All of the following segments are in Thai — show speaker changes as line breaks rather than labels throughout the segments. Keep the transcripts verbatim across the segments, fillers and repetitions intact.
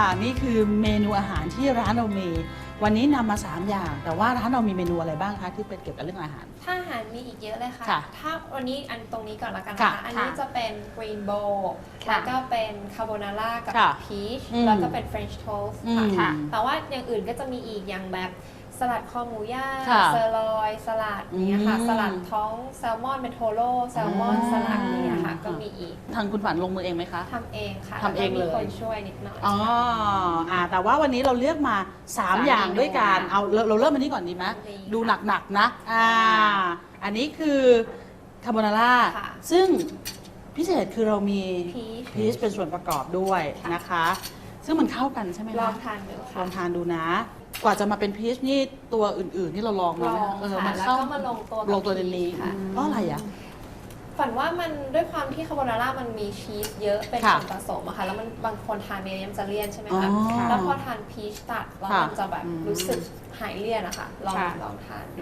นี่คือเมนูอาหารที่ร้านเรามีวันนี้นำมาสามอย่างแต่ว่าร้านเรามีเมนูอะไรบ้างคะที่เป็นเกี่ยวกับเรื่องอาหาร
ถ้าอาหารมีอีกเยอะเลยค่ะ
ค่ะ
ถ้าวันนี้อันตรงนี้ก่อนละกัน
ค่ะ
นะคะอันนี้จะเป็นกรีนโบว์แล้
ค่ะ
วก็เป็นคาโบนาร่ากับ
ค่ะ
พีช
อืม
แล้วก็เป็นเฟรนช์โทสต์
อืม
ค่ะแต่ว่าอย่างอื่นก็จะมีอีกอย่างแบบสลัดคอหมูย่าง
ค่ะ
เซอร์ลอยสลัดเนี้ยค่ะ
อืม
สลัดท้องแซลมอนเป็นโทโร่แซลมอน
อ่า
สลัดเนี้ยค่ะก็มีอีก
ทางคุณฝันลงมือเองไหมคะ
ทำเองค่ะ
ทำเองเลย
แวก็มีคนช่วยนิดหน่อย
อ๋ออ่าแต่ว่าวันนี้เราเลือกมาสาม
สาม
อย่าง
เมนู
ด้วยกันเอาเราเราเริ่มอันนี้ก่อนดีไหม
ดี
ดูหนักๆนะอ่าอันนี้คือคาโบนาร่า
ค่ะ
ซึ่งพิเศษคือเรามี
พีช
พีชเป็นส่วนประกอบด้วยนะคะ ซึ่งมันเข้ากันใช่ไหม
ล
คะ
องทานดู
ล
ค่ะ
องทานดูนะ กว่าจะมาเป็นพีชนี่ตัวอื่นๆที่เราลอง
ล
มา
อง
เออ
ค่ะ
มัน
แล้ว
เข้า
ก็มาลงตัวกับ
ลงตัวในนี้
พีชค่ะ
เพราะอะไรอ่ะ
ฝันว่ามันด้วยความที่คาโบนาร่ามันมีชีสเยอะเป็น
ค่ะ
ส่วนผสมอะค่ะแล้วมันบางคนทานเนยมันจะเลี่ยนใช่ไหม
อ๋อ
คะแล้วพอทานพีชตัดแล้ว
ค่ะ
มันจะแบบรู้สึกหายเลี่ยนอะค่ะลอง
ค่ะ
ลองทานดู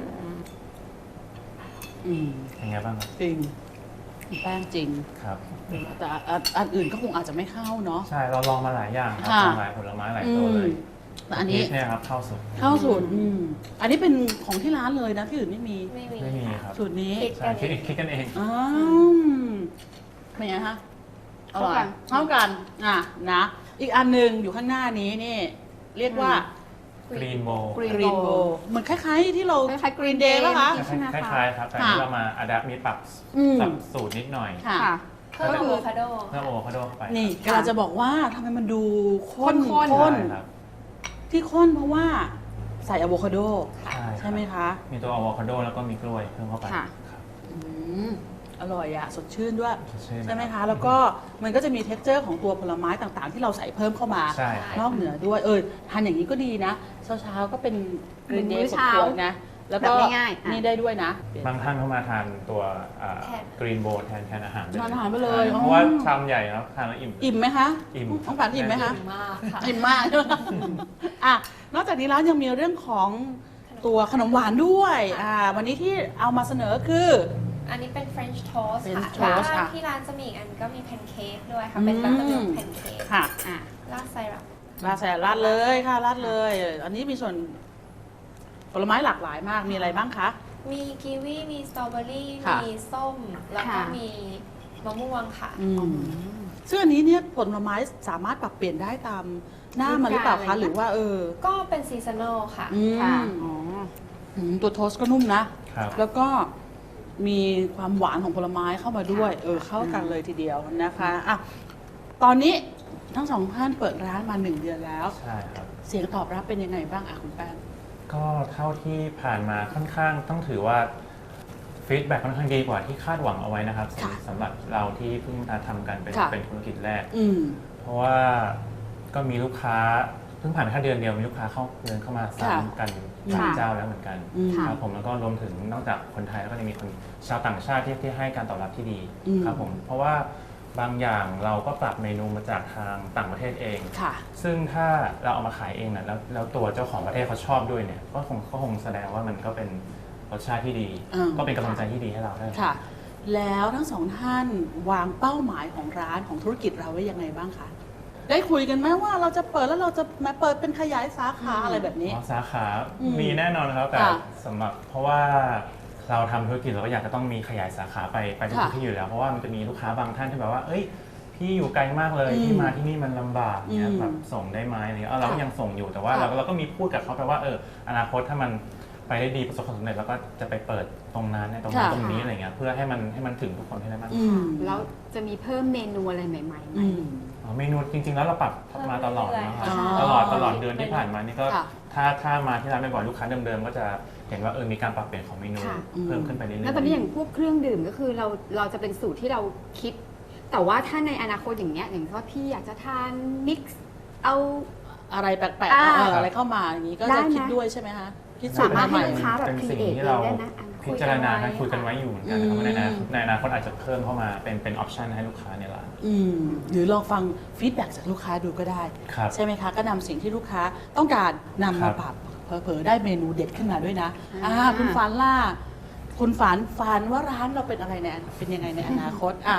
อืม
เป็นไงบ้างครับ
จริงแป้งจริง
ครับ
แต่อันอันอื่นก็คงอาจจะไม่เข้าเนาะ
ใช่เราลองมาหลายอย่างครับ
ค่ะ
ลองหลายผลไม้หลายตัวเลย
แต่อันนี้
พีชเนี่ยครับเข้าสุด
เข้าสูตรอืมอันนี้เป็นของที่ร้านเลยนะที่อื่นไม่มี
ไม่มี
ไม่มีครับ
สูตรนี้
คิด
ใช่
กัน
คิด
เอง
คิดกันเอง
อ้าวเป็นไงคะอร่อย
เข้ากัน
เข้ากันอ่ะนะ อีกอันหนึ่งอยู่ข้างหน้านี้นี่ เรียกว่า
กรีนโบ
Green
กรีนโบ
Bowl
เหมือนคล้ายๆที่เรา
คล้ายๆ Green
เดย์
Day
ป่ะคะ
ใช่ไหม
ค
คะ
ล้ายๆครับ แต่
ค่ะ
ที่เรามาอัดแอปมีปรับ
อืม
ปรับสูตรนิดหน่อย
ค่ะ
ค่ะ
เพิ่มอะโวคาโด
เพิ่มโอโวคาโดเข้าไป
นี่
ค่ะ
กำลังจะบอกว่าทำไมมันดูข้น
ข้นๆ
ข้น
ใช่ครับ
ที่ข้นเพราะว่าใส่อะโวคาโด
ใช่
ใช่ไหมคะ
มีตัวอะโวคาโดแล้วก็มีกล้วยเพิ่มเข้าไป
ค่ะ
ครับ
อืมอร่อยอะสดชื่นด้วย
สดชื่น
ใช่ไหมคะ แล้วก็มันก็จะมีเท็กเจอร์ของตัวผลไม้ต่างๆ ที่เราใส่เพิ่มเข้ามา
ใช่ครับ
นอกเหนือด้วย เออทานอย่างนี้ก็ดีนะ เช้าๆก็เป็นกรีนเด
มื้
ย์
อเช้า
ขวดๆนะ แล้วก็
แบบง่ายๆอ่ะ
นี่ได้ด้วยนะ
บางท่านเข้ามาทานตัว
แทน
กรีนโบแทนแทนอาหาร
ทานอาหารไปเลย
ใช่
อ๋อ
เพราะว่าชามใหญ่แล้วทานแล้วอิ่ม
อิ่มไหมคะ
อิ่ม
ต้องฝันอิ่มไหมคะ
ดีมากค่ะ
อิ่มมาก อ่ะ นอกจากนี้แล้วยังมีเรื่องของตัวขนมหวานด้วย อ่า วันนี้ที่เอามาเสนอคือ
อันนี้เป็น French toast ค่ะ
French
แล้ว
toast
ก็
ค่ะ
ที่ร้านจะมีอีกอันก็มีแพนเค้กด้วยค่ะ เป็นบัตเตอร์มิลค์แพนเค้ก
ค่ะ
อ่ะ
ราดไซรัป
ราดใส่ราดเลยค่ะราดเลย อันนี้มีส่วนผลไม้หลากหลายมาก มีอะไรบ้างคะ
มีกีวีมีสตรอเบอรี่
ค่ะ
มีส้ม แล้วก็
ค่ะ
มีมะม่วงค่ะ
อืมซึ่งอันนี้เนี่ยผลไม้สามารถปรับเปลี่ยนได้ตามหน้ามันหรือเปล่าคะ หรือว่าเออ
ก็เป็นซีซันอลค่ะ
อืม
ค่ะอ๋อ
อืมตัวโทสต์ก็นุ่มนะ
ครับ
แล้วก็มีความหวานของผลไม้เข้ามาด้วย เออเข้ากันเลยทีเดียวนะคะอ่ะตอนนี้ทั้งสองท่านเปิดร้านมาหนึ่งเดือนแล้ว
ใช่ครับ
เสียงตอบรับเป็นยังไงบ้างอ่ะคุณแป้ง
ก็เท่าที่ผ่านมาค่อนข้างต้องถือว่าฟีดแบ็กค่อนข้างดีกว่าที่คาดหวังเอาไว้นะครับ
ค่ะ
สำหรับเราที่เพิ่งมาทำกันเป็น
ค่ะ
เป็นธุรกิจแรก
อืม
เพราะว่าก็มีลูกค้าเพิ่งผ่านแค่เดือนเดียวมีลูกค้าเข้าเดินเข้ามาซ้ำกันหลาย
ค่ะ
เจ้าแล้วเหมือนกัน
อืม
ครับผมแล้วก็รวมถึงนอกจากคนไทยแล้วก็ยังมีคนชาวต่างชาติที่ที่ให้การตอบรับที่ดี
อืม
ครับผมเพราะว่าบางอย่างเราก็ปรับเมนูมาจากทางต่างประเทศเอง
ค่ะ
ซึ่งถ้าเราเอามาขายเองนะแล้วแล้วตัวเจ้าของประเทศเขาชอบด้วยเนี่ยก็คงก็คงแสดงว่ามันก็เป็นรสชาติที่ดี
อืม
ก็เป็นกำลังใจที่ดีให้เราได้
ค่ะ แล้วทั้งสองท่านวางเป้าหมายของร้านของธุรกิจเราไว้ยังไงบ้างคะ ได้คุยกันไหมว่าเราจะเปิดแล้วเราจะมาเปิดเป็นขยายสาขาอะไรแบบนี้
อ๋อสาขา
อืม
มีแน่นอนครับแต่
ค่ะ
สำหรับเพราะว่าเราทำธุรกิจเราก็อยากจะต้องมีขยายสาขาไปไปทุก
ค่ะ
ที่อยู่แล้วเพราะว่ามันจะมีลูกค้าบางท่านที่แบบว่าเอ้ยพี่อยู่ไกลมากเลย
อืม
ที่มาที่นี่มันลำบากเนี่ย
อืม
แบบส่งได้ไหมอะไรเงี้ยเออเราก็
ค่ะ
ยังส่งอยู่แต่ว่า
ค่ะ
เราเราก็มีพูดกับเขาไปว่าเอออนาคตถ้ามันไปได้ดีประสบความสำเร็จแล้วก็จะไปเปิดตรงนั้นในตรงนั้น
ค่ะ
ตรงนี้อะไรเงี้ยเพื่อให้มันให้มันถึงทุกคนให้ได้มาก
อืม
แล้วจะมีเพิ่มเมนูอะไรใหม่ๆไหม
อืม
อ๋อเมนูจริง ๆ แล้วเราปรับมาตลอดนะครับ
อ๋อ
ตลอดตลอดเดือนที่ผ่านมานี่ก็
ค่ะ
ถ้าถ้ามาที่ร้านบ่อยๆลูกค้าเดิมๆก็จะเห็นว่าเออมีการปรับเปลี่ยนของเมนู
ค่ะ
เพิ่มขึ้นไปเรื่อยๆ
แล้วตอนนี้อย่างพวกเครื่องดื่มก็คือเราเราจะเป็นสูตรที่เราคิด แต่ว่าถ้าในอนาคตอย่างเงี้ยอย่างว่าพี่อยากจะทานมิกซ์เอา
อะไรแปลกๆ
อ่า
เอออะไรเข้ามาอย่างนี้ก็
ได้
จะ
นะ
คิดด้วยใช่ไหมคะคิดสู
สา
ตร
มารถ
ให
ให้
ม่
ลูกค้าแบบ
เป็น
ครี
สิ่ง
เอท
ที่
เอ
เรา
งได้นะอ่ะ
พิจารณากันคุยกันไว้อยู่เหมือนกันนะครับ
อืม
ว่าในอนาคตในอนาคตอาจจะเพิ่มเข้ามาเป็นเป็นออปชันให้ลูกค้าในร้าน
อืมหรือลองฟังฟีดแบ็กจากลูกค้าดูก็ได้
ครับ
ใช่ไหมคะ ก็นำสิ่งที่ลูกค้าต้องการนำ
ครั
มา
บ
ปรับเผลอๆได้เมนูเด็ดขึ้นมาด้วยนะ
อ่า
อ่าคุณฝันล่ะคุณฝันฝันว่าร้านเราเป็นอะไรในเป็นยังไงในอนาคตอ่ะ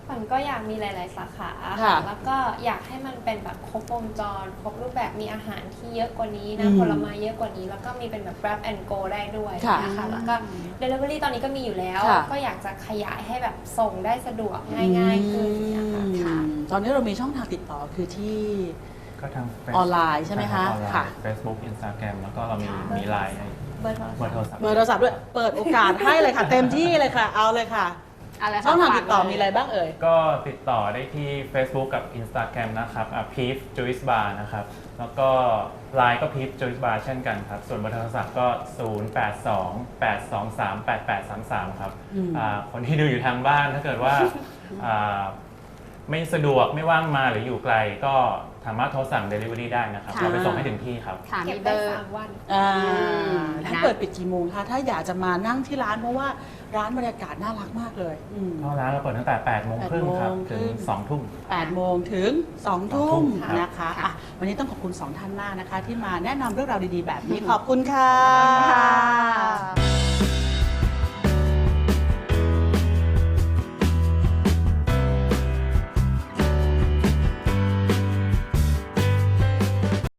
ฝันก็อยากมีหลาย ๆ สาขา
ค่ะ
แล้วก็อยากให้มันเป็นแบบครบวงจร ครบรูปแบบมีอาหารที่เยอะกว่านี้
อื
นะ
ม
ผลไม้เยอะกว่านี้ แล้วก็มีเป็นแบบ grab and go ได้ด้วย
ค่ะ
นะคะแล้วก็ delivery ตอนนี้ก็มีอยู่แล้ว
ค่ะ
ก็อยากจะขยายให้แบบส่งได้สะดวกง่าย ๆ ขึ้นนะคะ
อืม
ค่ะ
ตอนนี้เรามีช่องทางติดต่อคือที่
ก็ทาง
ออนไลน์ใช่ไหมคะ
ออนไลน์
ค่ะ
Facebook Instagram แล้วก็เรามีมีไลน์
เบอร์โทร
เบอ
ศัพ
ร์
ท์
โทรศัพท์
เบอร์โทรศัพท์ด้วย เปิดโอกาสให้เลยค่ะ เต็มที่เลยค่ะ เอาเลยค่ะ
อะไรคะ
ช่องทางติดต่อ
ฝกเลย
มีอะไรบ้างเอ่ย
ก็ติดต่อได้ที่ Facebook กับ Instagram นะครับอ่ะ Peef Juice Bar นะครับ แล้วก็ ไลน์ ก็ Peef Juice Bar เช่นกันครับ ส่วนเบอร์โทรศัพท์ก็ ศูนย์ แปด สอง แปด สอง สาม แปด แปด สาม สาม ครับ
อืม
อ่าคนที่ดูอยู่ทางบ้านถ้าเกิดว่าอ่าไม่สะดวกไม่ว่างมาหรืออยู่ไกลก็สามารถโทรสั่ง Delivery ได้นะครับ
ค่ะ
เราไปส่งให้ถึงที่ครับ
ค่ะ
เก็
มี
บ
เบ
ได้
อร์
สามวัน
อ่า
ม
ท่าน
นะ
เปิดปิดกี่โมงคะ ถ้าอยากจะมานั่งที่ร้านเพราะว่าร้านบรรยากาศน่ารักมากเลยอืม
ก็ร้านเราเปิดตั้งแต่แปดโมงครึ่งครับ
แปดโมงครึ่
ถึ
ง
งสองทุ่ม
แปดโมงถึงสองทุ่ม
ครับ
นะคะ
ค่ะ
อ่ะวันนี้ต้องขอบคุณสองท่านมากนะคะ ที่มาแนะนำเรื่องราวดีๆ แบบนี้ ขอบคุณค่ะ
ค่ะ